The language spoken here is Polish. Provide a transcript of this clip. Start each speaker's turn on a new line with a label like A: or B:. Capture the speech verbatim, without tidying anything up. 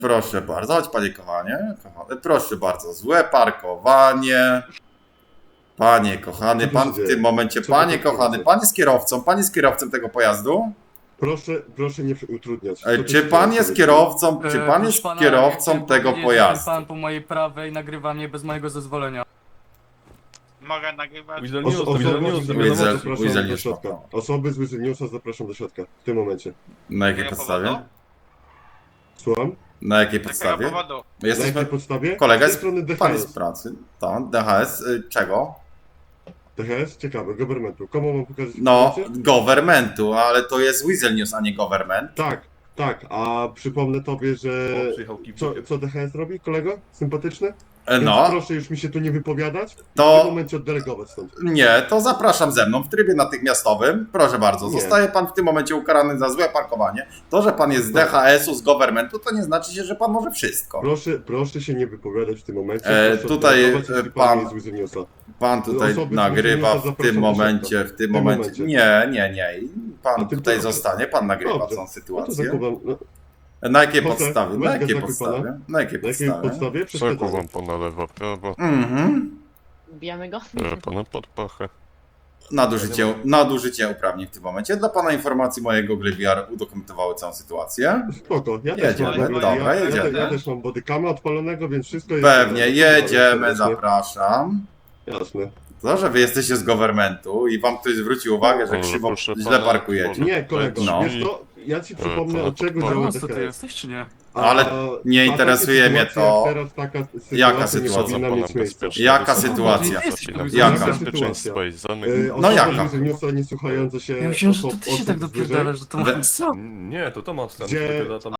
A: Proszę bardzo, chodź panie kochanie, kochany, proszę bardzo, złe parkowanie. Panie kochany, pan w tym momencie, panie kochany, pan jest kierowcą, pan jest kierowcą tego pojazdu?
B: Proszę, proszę nie utrudniać.
A: E, Czy pan jest kierowcą, czy pan jest kierowcą tego pojazdu?
C: Pan po mojej prawej nagrywa mnie bez mojego zezwolenia.
D: Mogę nagrywać?
B: Oso- osoby,
A: Weasel-
B: zapraszam
A: Weasel
B: do
A: jest
B: środka.
A: spoko.
B: Osoby z Weasel Newsa zapraszam do środka w tym momencie.
A: Na jakiej
D: Jakiego
A: podstawie?
D: powodu?
B: Słucham?
A: Na jakiej
D: Z jakiego
A: podstawie?
D: powodu?
B: Na
A: Jesteśmy,
B: jakiej podstawie?
A: kolega
B: Z
A: jest,
B: tej strony D
A: pan
B: H
A: jest
B: S.
A: w pracy, tak, D H S, y, czego?
B: D H S? Ciekawe, governmentu. Komu mam pokazać
A: No,
B: informację?
A: governmentu, ale to jest Weasel News, a nie government.
B: Tak, tak, a przypomnę tobie, że... Co, co D H S robi, kolego? Sympatyczny?
A: E,
B: Więc
A: No,
B: proszę już mi się tu nie wypowiadać. W tym
A: to
B: momencie oddelegować stąd.
A: nie, to zapraszam ze mną w trybie natychmiastowym. Proszę bardzo,
B: Nie.
A: zostaje pan w tym momencie ukarany za złe parkowanie. To, że pan jest z D H S-u, z governmentu, to nie znaczy się, że pan może wszystko.
B: Proszę, proszę się nie wypowiadać w tym momencie.
A: E,
B: Proszę
A: tutaj,
B: oddelegować,
A: e,
B: jeśli
A: pan-
B: jest z Weasel Newsa.
A: Pan tutaj
B: Osoby z
A: nagrywa
B: Weasel Newsa
A: w tym
B: zapraszam do
A: momencie, w tym
B: tym
A: momencie.
B: momencie.
A: Nie, nie, nie.
B: A
A: Pan
B: ty
A: tutaj
B: proszę.
A: zostanie, pan nagrywa
B: Dobrze.
A: tą
B: No to
A: sytuację.
B: zakuwam. No,
A: Na jakiej
B: Proszę,
A: podstawie?
B: weź
A: Na jakiej
B: go zakuj pana.
A: podstawie? Na jakiej
B: na jakiej
A: podstawie?
B: podstawie?
E: Przeku
B: Przeszkadzam.
E: wam pana lewa, prawa,
A: Mhm.
F: Bijamy go?
E: biorę pana pod pachę.
A: Nadużycie, nadużycie uprawnień w tym momencie. Dla pana informacji moje Google V R udokumentowały całą sytuację.
B: Spoko, ja też
A: Jedziemy,
B: mam,
D: dobra,
B: ja, ja,
A: jedziemy.
B: ja, ja też mam bodycama odpalonego, więc wszystko jest...
A: Pewnie,
B: jasne.
A: jedziemy,
B: Jasne.
A: zapraszam.
B: Jasne.
A: To, że wy jesteście z governmentu i wam ktoś zwróci uwagę, że
E: Ale
A: krzywo,
E: proszę
A: źle
E: pana,
A: parkujecie.
E: może-
B: Nie, kolego,
A: No.
B: wiesz to, ja ci przypomnę,
E: pana
B: od czego
E: pod
B: działa
C: Pan co ty
B: D H S.
C: jesteś, czy nie?
B: A-
A: Ale
B: a
A: nie
B: takie
A: interesuje mnie
B: sytuacje
A: to,
B: jak teraz taka sytuacja
A: jaka
B: nie
A: sytuacja
B: powinna
E: pana
B: mieć miejsca.
E: bezpieczna
A: Jaka
E: wysoka
A: sytuacja?
E: organizacja
A: Jaka?
E: bezpieczeństwa i
B: Y,
E: zanych.
B: osoby
A: jaka?
B: z Weasel Newsa nie słuchające się
C: Ja myślałem, że to
B: osób-
C: ty się
B: osób
C: tak
B: zwierzę-
C: dopierdalasz do
A: We-
C: Tomasa.
G: Nie, to Tomasz tam
B: Gdzie-
G: dopiero tam